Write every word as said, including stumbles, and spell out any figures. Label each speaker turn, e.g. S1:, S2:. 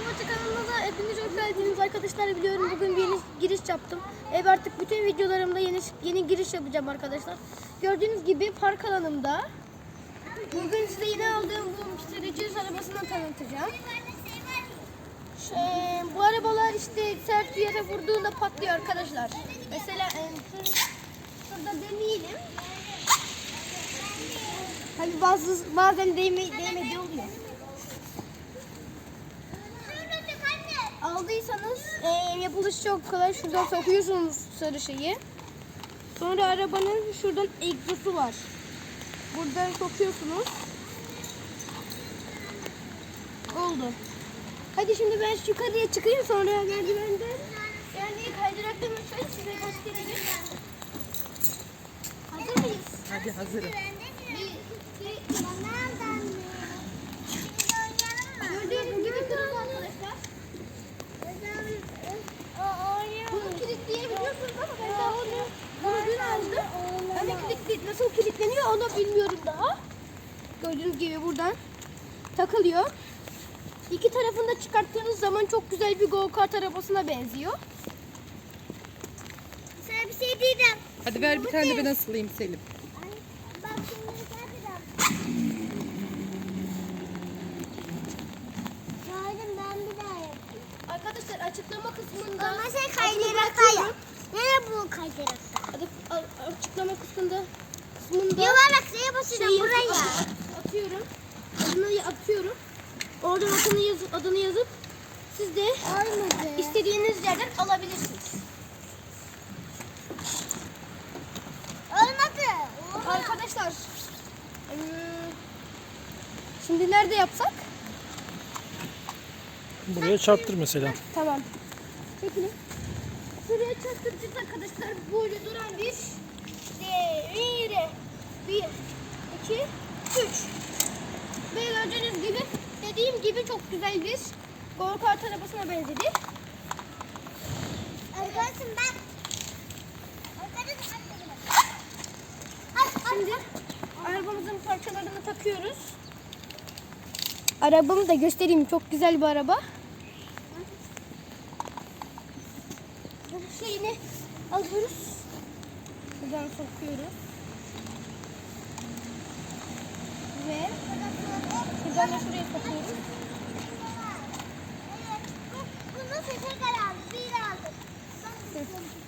S1: Arabacı kanalına hepiniz hoş geldiniz arkadaşlar. Biliyorum bugün bir yeni giriş yaptım. Ev artık bütün videolarımda yeni yeni giriş yapacağım arkadaşlar. Gördüğünüz gibi park alanımda. Bugün size yeni aldığım bu sürücü arabasını tanıtacağım. Şey, bu arabalar işte sert bir yere vurduğunda patlıyor arkadaşlar. Mesela e, şurada deneyelim. Hani bazı bazen değme, değmediği oluyor. Aldıysanız e, yapılışı çok kolay. Şuradan sokuyorsunuz sarı şeyi. Sonra arabanın şuradan egzozu var. Buradan sokuyorsunuz. Oldu. Hadi şimdi ben şu yukarıya çıkayım, sonra merdivenden yani kaydıraktan uçayım, size göstereyim. Hazır mıyız?
S2: Hadi hazırım.
S1: Gördüğünüz gibi kırık arkadaşlar. Bunu kilitleyebiliyorsunuz ama ben daha onu bunu dün aldım. Hani kilitli, nasıl kilitleniyor onu bilmiyorum daha. Gördüğünüz gibi buradan takılıyor. İki tarafını da çıkarttığınız zaman çok güzel bir go-kart arabasına benziyor.
S3: Sana bir şey diyeceğim.
S2: Hadi ver bir tane de ben asılayım Selim.
S3: Bak şimdi yapacağım. Şahidim ben bir daha yapayım.
S1: Arkadaşlar açıklama kısmında
S3: Ama sen
S1: adını
S3: kaydırakta
S1: bırakıyorum.
S3: yap. Nereye bu kaydırakta?
S1: Adı- a- açıklama kısmında kısmında
S3: Yuvarlak şeye basacağım
S1: şey
S3: buraya.
S1: yazıp- atıyorum. Adını atıyorum. Oradan adını yazıp adını yazıp siz de
S3: Olmadı.
S1: istediğiniz yerden alabilirsiniz.
S3: Olmadı.
S1: Arkadaşlar eee, şimdi nerede yapsak?
S4: Buraya çarptır mesela.
S1: Tamam. Çekilin. Şuraya çarptıracağız arkadaşlar. Böyle duran bir devire. Bir, iki, üç. Ve gördüğünüz gibi dediğim gibi çok güzel bir go-kart arabasına benzedi.
S3: Arkadaşım ben. Arkadaşım
S1: Şimdi arabamızın parçalarını takıyoruz. Arabamı da göstereyim. Çok güzel bir araba. Bu şeyini alıyoruz. Buradan sokuyoruz. Ve buradan da şuraya sokuyoruz.
S3: Bunu tekrar aldım. Bir aldım.